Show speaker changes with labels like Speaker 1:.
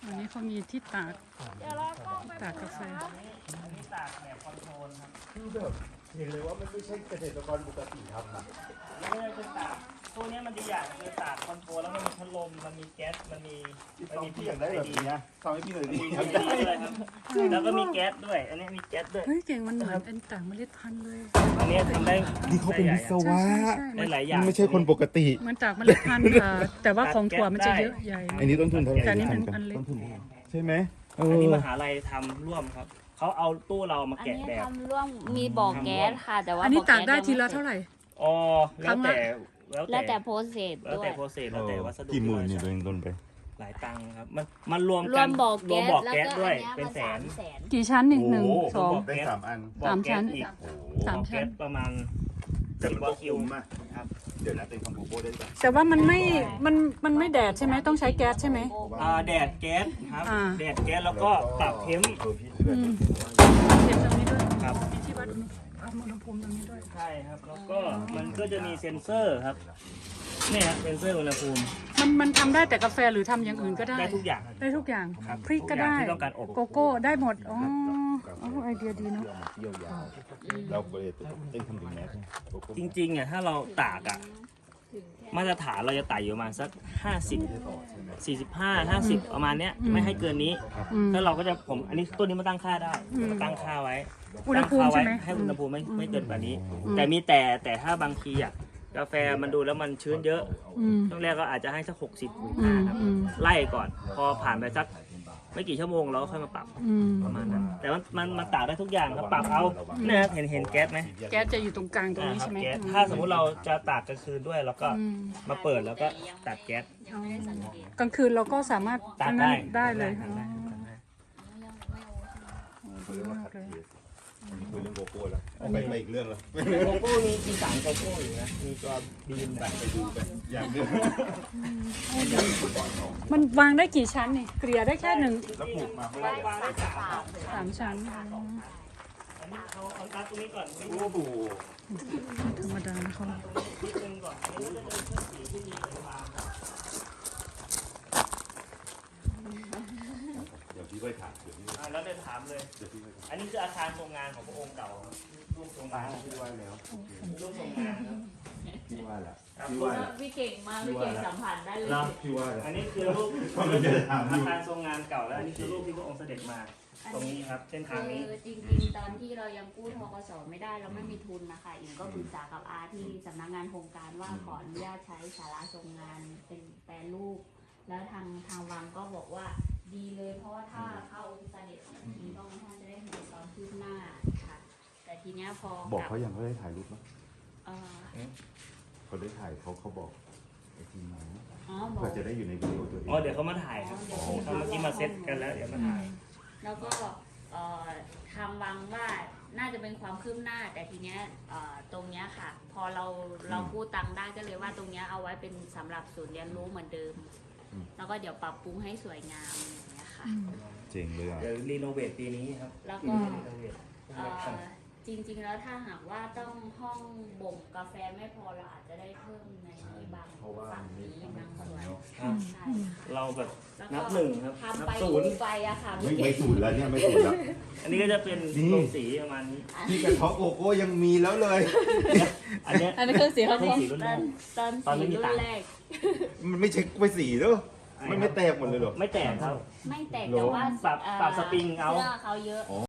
Speaker 1: อันนี้เขามีที่ตาก
Speaker 2: เดี๋ยวเรากล้องไป
Speaker 1: ตากกาแฟ
Speaker 3: อันนี้ตากแบบคอนโทรลครับ
Speaker 4: คือแบบเห็นเลยว่ามันไม่ใช่เกษตรกรปกติทำนะ
Speaker 3: ไม่ได้เป็นตากพวกนี้มันดีอย่างคือตากคอนโทรลแล้วมันมีพัดลมมันมีแก๊สมันมี
Speaker 4: พี่อยากได้แบบนี้นะทำให้พี่หน่อยดิ
Speaker 3: มีด้วยครับแล้วก็มีแก๊สด้วย อันนี้มีแก๊สด้วย
Speaker 1: เฮ้ยเก่งมันเหมือนเป็นต่างเมล็ดพันธุ์เลย
Speaker 3: อันนี้ทำได้
Speaker 4: นี่เขาเป็นวิศวะ
Speaker 3: ได้หลายอย่าง
Speaker 4: ไม่ใช่คนปกติ
Speaker 1: เหมือนจากเมล็ดพันธุ์แต่ว่าของถั่วมันจะเยอะใหญ่
Speaker 4: อันนี้ต้นทุนเท่าไหร่
Speaker 1: แต่อันนี้เป็นอันเล็ก
Speaker 4: ต้นทุนใช่ไหมเอ
Speaker 3: อันนี้
Speaker 4: อ
Speaker 3: มหาลัยทำร่วมครับเขาเอาตู้เรามา
Speaker 2: อัน
Speaker 3: แกะ
Speaker 2: นี้
Speaker 3: แบบ
Speaker 2: ทำร่วมมีบ่อแก๊สค่ะ แต่ว่า
Speaker 1: อันนี้
Speaker 2: บ่
Speaker 1: ตากได้
Speaker 2: แส
Speaker 1: ทีละ
Speaker 2: ยังม่
Speaker 1: เท่าไหร่
Speaker 3: อ๋อแล้วแต่
Speaker 2: แล้วแต่โปรเซส
Speaker 3: แล้ว
Speaker 2: ด้วย
Speaker 3: แต่โปรเซสแล้วแต่วัสดุ
Speaker 4: กี่หมื่นเนี่ยตัวเองต้นไป
Speaker 3: หลายตังค์ครับมันรวม
Speaker 2: ร
Speaker 3: กั
Speaker 2: วน มบ่อ
Speaker 3: รว
Speaker 2: แก๊
Speaker 3: ม
Speaker 2: ส
Speaker 3: บ่อ
Speaker 2: แล้ว
Speaker 3: แก๊ส
Speaker 2: ก็
Speaker 3: ด้วย
Speaker 2: อันเนี้ย
Speaker 3: เป็น
Speaker 2: มา
Speaker 3: แสน
Speaker 2: 300,000
Speaker 1: กี่ชั้นนี่หนึ่ง
Speaker 4: โอ้โ
Speaker 1: สอง
Speaker 4: ได้3 อัน
Speaker 3: บ่อ
Speaker 1: สามชั้
Speaker 3: แก๊ส
Speaker 1: น
Speaker 3: อีก
Speaker 1: สาม
Speaker 3: บ่อ
Speaker 1: ชั้
Speaker 3: แก๊
Speaker 1: น
Speaker 3: สประมาณ
Speaker 4: แต่มัน
Speaker 3: 10
Speaker 4: ก็คุ้มอะ
Speaker 3: ครับ
Speaker 4: เดี๋ยวนะตัวเองทำโกโก้ได้ป่ะ
Speaker 1: แต่ว่ามันไม่แดดใช่ไหมต้องใช้แก๊สใช่ไหม
Speaker 3: แดดแก๊สครับ
Speaker 1: อ่า
Speaker 3: แดดแก๊สแล้วก็ปรับเทม
Speaker 4: พี่เดือน
Speaker 1: เห็นตรงนี้ด้วย
Speaker 3: ครับ
Speaker 1: มีที่วัดอุณหภูมิตรงนี้ด้วย
Speaker 3: ใช่ครับแล้วก็มันก็จะมีเซ็นเซอร์ครับเนี่ยครับเซ็นเซอร์อุณหภูมิ
Speaker 1: มันทำได้แต่กาแฟหรือทำอย่างอื่นก็ได้
Speaker 3: ได้ทุกอย่าง
Speaker 1: ได้ทุกอย่าง
Speaker 3: ครับ
Speaker 1: พริกก็ได้
Speaker 3: ทุกอย่างที่ต้องการอบ
Speaker 1: โกโก้ได้หมดอ๋อไอเดียดีเนาะ
Speaker 4: เที่ยวยาวเราก็เลยเต้นทำถึงแมสโกโก้
Speaker 3: จริงๆอ่ะถ้าเราตากอ่ะมาตรฐานเราจะตากอยู่ประมาณสัก50 45 50ประมาณเนี้ยไม่ให้เกินนี้
Speaker 1: อืม
Speaker 3: แล้วเราก็จะอันนี้ตัวนี้มาตั้งค่าได้ตั้งค่าไว้
Speaker 1: อุณหภูมิ
Speaker 3: ตั้งค่า
Speaker 1: ใช่ไหม
Speaker 3: ให้อุณหภูมิไม่เกินกว่านี้
Speaker 1: อืม
Speaker 3: แต่มีแต่ถ้าบางทีอ่ะกาแฟมันดูแล้วมันชื้นเยอะ
Speaker 1: อืม
Speaker 3: ช่วงแรกก็อาจจะให้สัก60
Speaker 1: อืม
Speaker 3: ครับ
Speaker 1: อืม
Speaker 3: ไล่ก่อน พอผ่านไปสักไม่กี่ชั่วโมงเราก็ค่อยมาปรับ
Speaker 1: อืม
Speaker 3: ประมาณนั้นแต่มันตากได้ทุกอย่างครับปรับเอาเนี่ยครับเห็นแก๊สไหม
Speaker 1: แก๊สจะอยู่ตรงกลางตรงนี้
Speaker 3: ครั
Speaker 1: ใช่ไหม
Speaker 3: แก๊ส
Speaker 1: อืม
Speaker 3: ถ้าสมมุติเราจะตากกลางคืนด้วยเราก็
Speaker 1: อืม
Speaker 3: มาเปิดแล้วก็ตัดแก๊ส
Speaker 2: ยังไม่ได้สังเกต
Speaker 1: กลางคืนเราก็สามารถ
Speaker 3: ตัด
Speaker 1: อันนั้น
Speaker 3: ได้
Speaker 1: ได้เลย
Speaker 3: ตัดได้ตัดได้
Speaker 1: ดีมากเลย
Speaker 4: คุยเรื่องโกโก้แล้วไปอีกเรื่องแล้ว
Speaker 3: โกโก้มีสารโกโก้อยู่นะมีตัวบีนแบบ
Speaker 4: ไปดูกันอย่างเรื่อง
Speaker 1: มันวางได้กี่ชั้นนี่เกลี่ยได้แค่หนึ่ง
Speaker 4: แล้วปลูกมาเมื่อ
Speaker 2: ได้
Speaker 4: ไหร่
Speaker 2: สามสาม
Speaker 1: 3 ชั้น
Speaker 3: อันนี้เอาตัดตรงนี้ก่อนนิด
Speaker 4: โอ้โห
Speaker 1: ธรรมดานะเขา
Speaker 3: นึงก่อนอันนี้ก็จะเป็นเครื่องสีที่มีเป็นวาง
Speaker 4: เดี๋ยวพี่ไปถามเดี๋ยวพี่
Speaker 3: แล้วเดินถามเลย
Speaker 4: เดี๋ยวพี่ไปถาม
Speaker 3: อันนี้คืออาคารโรงงานของพระองค์เก่าครับรูปโรงงาน
Speaker 4: พี่ว่าแล้ว
Speaker 3: รูปโรงงานครับ
Speaker 4: พี่ว่าแล้ว
Speaker 3: ครับ
Speaker 4: พี่ว่าแล้ว
Speaker 2: พี่เก่งมากพี่เก่งสัมผัสได้เลย
Speaker 3: เนาะ
Speaker 4: พี่ว่าแล้ว
Speaker 3: อันนี้คือรูป
Speaker 4: มันจะถามอยู่
Speaker 3: อาคารทรงงานเก่าแล้วอันนี้คือรูปที่พระองค์เสด็จมา ตรงนี้ครับเส้นทางนี้
Speaker 2: คือจริงๆ ตอนที่เรายังกู้ทกสไม่ได้เราไม่มีทุนนะคะอิงก็ปรึกษากับอาที่สำนักงานโครงการว่าขออนุญาตใช้ศาลาทรงงานเป็นแปรรูป แล้วทางวังก็บอกว่าดีเลยเพราะว่าถ้าเข้าองค์เสด็จทีก็ท่านจะได้เห็นตอนคืบหน้าค่ะ แต่ทีเนี้ยพอ
Speaker 4: บอกเขายังเขาได้ถ่ายรูปไหม
Speaker 2: เอ่อ
Speaker 4: เขาได้ถ่ายเขาบอกไอทีมไหม
Speaker 2: อ๋อบอก
Speaker 4: เพื่อจะได้อยู่ในวิดีโอตัวเอง
Speaker 3: อ๋อเดี๋ยวเขามาถ่ายครับเขาเมื่อกี้มาเซตกันแล้วเดี๋ยวมาถ่าย
Speaker 2: แล้วก็ทางวังว่าน่าจะเป็นความคืบหน้า แต่ทีเนี้ยตรงเนี้ยค่ะ พอเรากู้ตังค์ได้ก็เลยว่าตรงเนี้ยเอาไว้เป็นสำหรับศูนย์เรียนรู้เหมือนเดิม แล้วก็เดี๋ยวปรับปรุงให้สวยงามอย่างเงี้ยค่ะ
Speaker 4: เจ๋งเลยอ่ะ
Speaker 3: เดี๋ยวรีโนเวทปีนี้ครับ
Speaker 2: แล้วก็
Speaker 3: รีโนเวท
Speaker 2: จริงๆแล้วถ้าหากว่าต้องห้องบ่มกาแฟไม่พอเราอาจจะได้เพิ่มในบางฝั่งนี้บางส่วน
Speaker 3: ครับ
Speaker 2: ใช่
Speaker 3: เราแบบ
Speaker 2: แล้ว
Speaker 3: นั
Speaker 2: ก็
Speaker 3: บหนึ่งครับ
Speaker 2: ทำ
Speaker 3: นับ
Speaker 2: ไป
Speaker 3: ศูนย์
Speaker 2: ดูไปอะค่ะ
Speaker 4: ไม่สูตรแล้วเนี่ยไม่สูตรแล้ว
Speaker 3: อันนี้ก็จะเป็น
Speaker 4: นี่
Speaker 3: โรงสีประมาณนี้
Speaker 4: พี่กระท้อโกโก้ยังมีแล้วเลย
Speaker 3: อันเนี้ย
Speaker 1: อันนี้เครื่องสีเขา
Speaker 3: เครื่องสีรุ่น
Speaker 2: ต
Speaker 3: แร
Speaker 2: อน
Speaker 3: ก
Speaker 2: ตอน
Speaker 3: ตอนไม่
Speaker 2: สี
Speaker 3: มี
Speaker 2: รุ่
Speaker 3: ตัง
Speaker 2: น
Speaker 3: ค์
Speaker 2: แรก
Speaker 4: มันไม่เช็คไปสีเด้อมันไม่แตกหมดเลยเหรอ
Speaker 3: ไม่แตกครับ
Speaker 2: ไม่แตกแต่ว่า
Speaker 3: ปรับสปริงเอา
Speaker 2: เสื้อเขาเยอะ